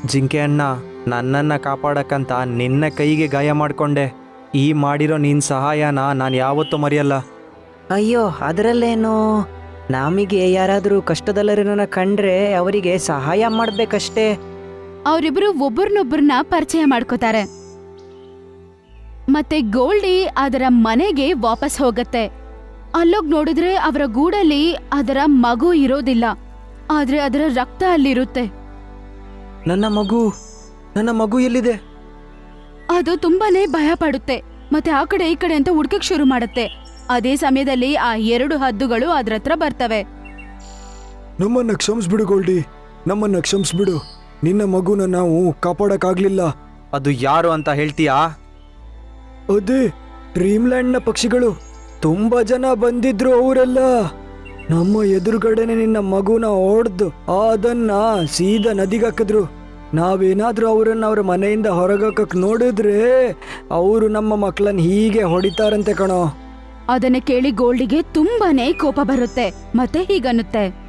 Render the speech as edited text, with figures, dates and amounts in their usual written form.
ಜಿಂಕೆ ಅಣ್ಣ, ನನ್ನನ್ನು ಕಾಪಾಡಕ್ಕಂತ ನಿನ್ನ ಕೈಗೆ ಗಾಯ ಮಾಡಿಕೊಂಡೆ. ಈ ಮಾಡಿರೋ ನಿನ್ನ ಸಹಾಯನ ನಾನು ಯಾವತ್ತೂ ಮರೆಯಲ್ಲ. ಅಯ್ಯೋ ಅದರಲ್ಲೇನು, ನಮಗೆ ಯಾರಾದರೂ ಕಷ್ಟದಲ್ಲರನ್ನ ಕಂಡ್ರೆ ಅವರಿಗೆ ಸಹಾಯ ಮಾಡ್ಬೇಕಷ್ಟೇ. ಅವರಿಬ್ರು ಒಬ್ಬರನ್ನೊಬ್ಬರನ್ನ ಪರಿಚಯ ಮಾಡ್ಕೋತಾರೆ. ಮತ್ತೆ ಗೋಲ್ಡಿ ಅದರ ಮನೆಗೆ ವಾಪಸ್ ಹೋಗತ್ತೆ. ಅಲ್ಲೋಗ್ ನೋಡಿದ್ರೆ ಅವರ ಗೂಡಲ್ಲಿ ಅದರ ಮಗು ಇರೋದಿಲ್ಲ, ಆದ್ರೆ ಅದರ ರಕ್ತ ಅಲ್ಲಿರುತ್ತೆ. ನನ್ನ ಮಗು ಎಲ್ಲಿದೆ? ಅದು ತುಂಬಾನೇ ಭಯ ಪಡುತ್ತೆ. ಮತ್ತೆ ಆ ಕಡೆ ಈ ಕಡೆ ಅಂತ ಹುಡ್ಕಕ್ ಶುರು ಮಾಡುತ್ತೆ. ಅದೇ ಸಮಯದಲ್ಲಿ ಆ 2 ಹದ್ದುಗಳು ಅದ್ರ ಹತ್ರ ಬರ್ತವೆ. ನಮ್ಮನ್ನ ಕ್ಷಮಿಸ್ಬಿಡು ಗೋಲ್ಡಿ, ನಮ್ಮನ್ನ ಕ್ಷಮಿಸ್ಬಿಡು. ನಿನ್ನ ಮಗುನ ನಾವು ಕಾಪಾಡಕ್ಕಾಗ್ಲಿಲ್ಲ. ಅದು ಯಾರು ಅಂತ ಹೇಳ್ತೀಯಾ? ಅದೇ ಡ್ರೀಮ್ಲ್ಯಾಂಡ್ನ ಪಕ್ಷಿಗಳು. ತುಂಬಾ ಜನ ಬಂದಿದ್ರು. ಅವರೆಲ್ಲ ನಮ್ಮ ಎದುರುಗಡೆನೆ ನಿನ್ನ ಮಗುನ ಹೊಡೆದು ಅದನ್ನ ಸೀದಾ ನದಿಗೆ ಹಾಕಿದ್ರು. ನಾವೇನಾದ್ರೂ ಅವರನ್ನ ಅವ್ರ ಮನೆಯಿಂದ ಹೊರಗಾಕಕ್ ನೋಡಿದ್ರೆ ಅವರು ನಮ್ಮ ಮಕ್ಕಳನ್ನ ಹೀಗೆ ಹೊಡಿತಾರಂತೆ ಕಣೋ. ಅದನ್ನ ಕೇಳಿ ಗೋಲ್ಡಿಗೆ ತುಂಬಾನೇ ಕೋಪ ಬರುತ್ತೆ. ಮತ್ತೆ ಹೀಗನ್ನುತ್ತೆ,